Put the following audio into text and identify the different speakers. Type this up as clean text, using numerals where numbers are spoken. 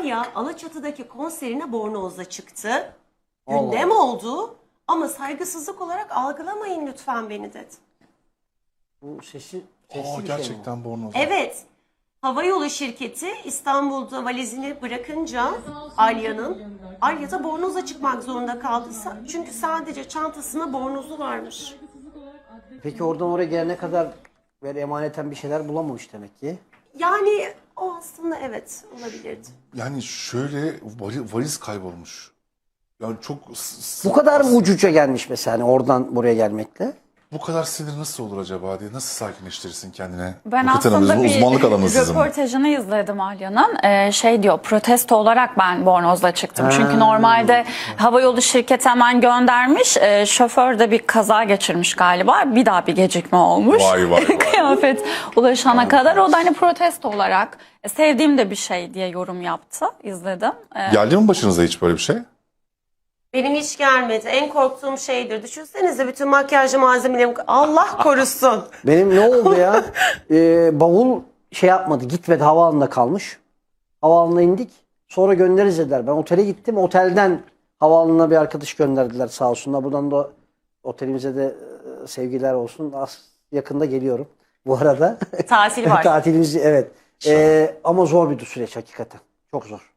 Speaker 1: Alya Alaçatı'daki konserine bornozla çıktı. Gündem oldu ama saygısızlık olarak algılamayın lütfen beni dedi.
Speaker 2: Bu sesi
Speaker 3: Gerçekten bornoz.
Speaker 1: Evet. Havayolu şirketi İstanbul'da valizini bırakınca Alya da bornozla çıkmak zorunda kaldı. Çünkü sadece çantasına bornozu varmış.
Speaker 2: Peki oradan oraya gelene kadar böyle emaneten bir şeyler bulamamış demek ki.
Speaker 1: Yani o aslında evet olabilirdi.
Speaker 3: Yani şöyle valiz kaybolmuş. Yani çok
Speaker 2: Bu kadar mı ucuca gelmiş mesela hani oradan buraya gelmekle?
Speaker 3: bu kadar sinir nasıl olur acaba diye nasıl sakinleştirirsin kendine?
Speaker 4: Ben
Speaker 3: Nurten Hanım,
Speaker 4: aslında
Speaker 3: bu
Speaker 4: bir
Speaker 3: uzmanlık alanı sizin.
Speaker 4: röportajını izledim Alya'nın. Şey diyor, protesto olarak ben bornozla çıktım. Çünkü normalde havayolu şirketi hemen göndermiş. Şoför de bir kaza geçirmiş galiba. Bir daha bir gecikme olmuş.
Speaker 3: Vay.
Speaker 4: Kıyafet ulaşana kadar. O da hani protesto olarak sevdiğim de bir şey diye yorum yaptı. İzledim.
Speaker 3: Geldi mi başınıza hiç böyle bir şey?
Speaker 1: Benim hiç gelmedi. En korktuğum şeydir. Düşünsenize bütün makyaj malzemelerimi Allah korusun.
Speaker 2: Benim ne oldu ya? Bavul şey yapmadı, gitmedi, havaalanında kalmış. Havaalanına indik. Sonra göndeririz dediler. Ben otele gittim. Otelden havaalanına bir arkadaş gönderdiler sağ olsunlar. Buradan da otelimize de sevgiler olsun. Yakında geliyorum bu arada.
Speaker 1: Tatil var.
Speaker 2: Tatilimiz evet. Ama zor bir süreç hakikaten. Çok zor.